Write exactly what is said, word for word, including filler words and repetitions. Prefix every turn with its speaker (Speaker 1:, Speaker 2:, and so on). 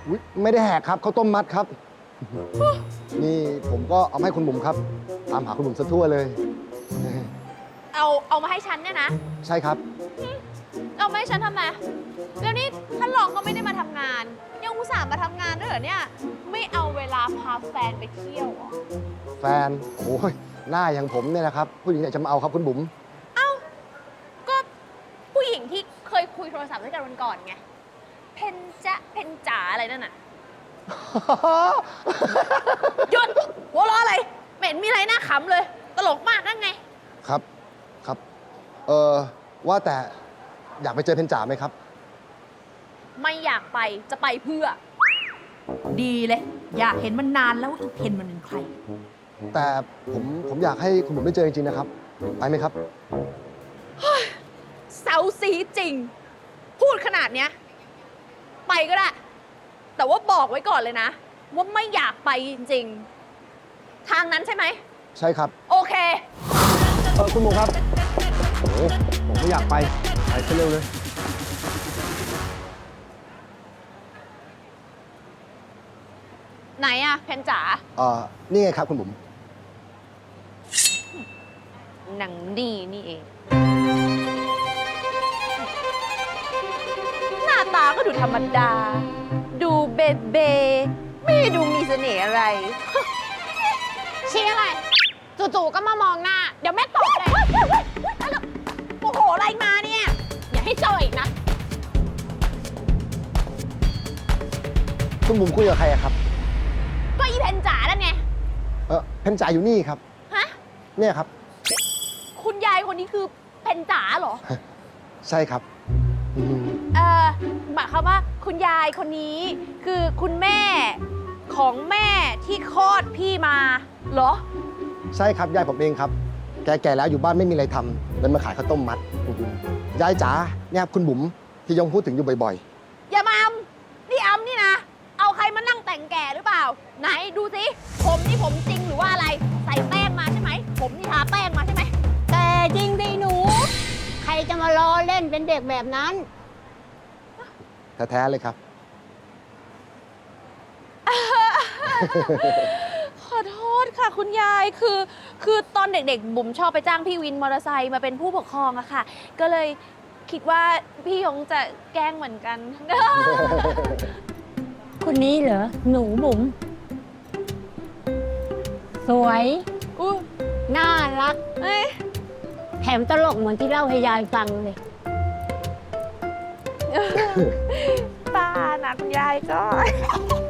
Speaker 1: อุ๊ยไม่ได้แหกครับข้าวต้มมัดครับ นี่ผมก็เอามาให้คุณบุ๋มครับ ตามหาคุณบุ๋มซะทั่วเลย
Speaker 2: เอาเอามาให้ฉันเนี่ยนะ
Speaker 1: ใช่ครับ
Speaker 2: เอามาให้ฉันทำไมแล้วนี่ท่านรองก็ไม่ได้มาทำงาน ยังอุตส่าห์มาทำงานด้วยเหรอเนี่ย ไม่เอาเวลาพาแฟนไปเที่ยวเหรอ
Speaker 1: แฟน โอ้ยหน้าอย่างผมเนี่ยนะครับ ผู้หญิงไหนจะมาเอาครับคุณบุ๋ม
Speaker 2: เอ้า ก็ผู้หญิงที่เคยคุยโทรศัพท์ด้วยกันวันก่อนไง เพนจะเพนจ๋าอะไรนั่นน่ะ หยุดหัวเราะอะไรไม่เห็นมีอะไรน่าขำเลย ตลกมากนั่นไง
Speaker 1: ครับ ครับ เออว่าแต่อยากไปเจอเพนจ่าไหมครับ
Speaker 2: ไม่อยากไปจะไปเพื่อ
Speaker 3: ดีเลย อยากเห็นมันนานแล้วว่าอีเพนมันเป็นใคร
Speaker 1: แต่ผมผมอยากให้คุณบุ๋มได้เจอจริงๆนะครับ ไปไหมครับ
Speaker 2: เซาซีจริง พูดขนาดเนี้ย ไปก็ได้ แต่ว่าบอกไว้ก่อนเลยนะ ว่าไม่อยากไปจริงๆ ทางนั้นใช่ไหม
Speaker 1: ใช่ครับ
Speaker 2: โอเค
Speaker 1: เออคุณบุ๋มครับ โอ้โหผมไม่อยากไป ไปซะเร็วเลย
Speaker 2: ไหนอะเพนจ๋า
Speaker 1: เออนี่ไงครับคุณบุ๋ม
Speaker 2: หนังดีนี่เอง หน้าตาก็ดูธรรมดา ดูเบเบไม่ได้ดูมีเสน่ห์อะไร ชี้อะไร จู่ๆก็มามองหน้า เดี๋ยวแม่ตบเลยโอ้โห อะไรมาเนี่ย อย่าให้เจออีกนะ
Speaker 1: คุณบุ๋มคุยกับใครอะครับ
Speaker 2: ก็อีเพนจ๋าแล้วไง
Speaker 1: เออเพนจ่าอยู่นี่ครับ
Speaker 2: ฮะ
Speaker 1: เนี่ยครับ
Speaker 2: คุณยายคนนี้คือเพนจ๋าเหรอ
Speaker 1: ใช่ครับอืม
Speaker 2: เออหมายความว่าคุณยายคนนี้คือคุณแม่ของแม่ที่คลอดพี่มาเหรอ
Speaker 1: ใช่ครับยายผมเองครับ แกๆแล้วอยู่บ้านไม่มีอะไรทำเลยมาขายข้าวต้มมัดคุณบุ๋มยายจ๋าเนี่ยคุณบุ๋มที่ยงพูดถึงอยู่บ่อย
Speaker 2: อย่ามาอำนี่อำนี่นะ เอาใครมานั่งแต่งแก่หรือเปล่า ไหนดูสิ ผมนี่ผมจริงหรือว่าอะไร ใส่แป้งมาใช่ไหม ผมนี่ทาแป้งมาใช่ไหม
Speaker 4: แต่จริงดิหนู ใครจะมาล้อเล่นเป็นเด็กแบบนั้น
Speaker 1: ๆ แท้ๆเลยครับ
Speaker 2: ขอโทษค่ะคุณยายคือคือตอนเด็กๆ บุ๋มชอบไปจ้างพี่วินมอเตอร์ไซค์มาเป็นผู้ปกครองอะค่ะ ก็เลยคิดว่าพี่ยงจะแกล้งเหมือนกัน
Speaker 4: คนนี้เหรอ หนูบุ๋มสวย
Speaker 2: อุ้ย
Speaker 4: น่ารัก
Speaker 2: เอ้ย
Speaker 4: แถมตลกเหมือนที่เล่าให้ยายฟังเลย
Speaker 2: ป้านะคุณยายก็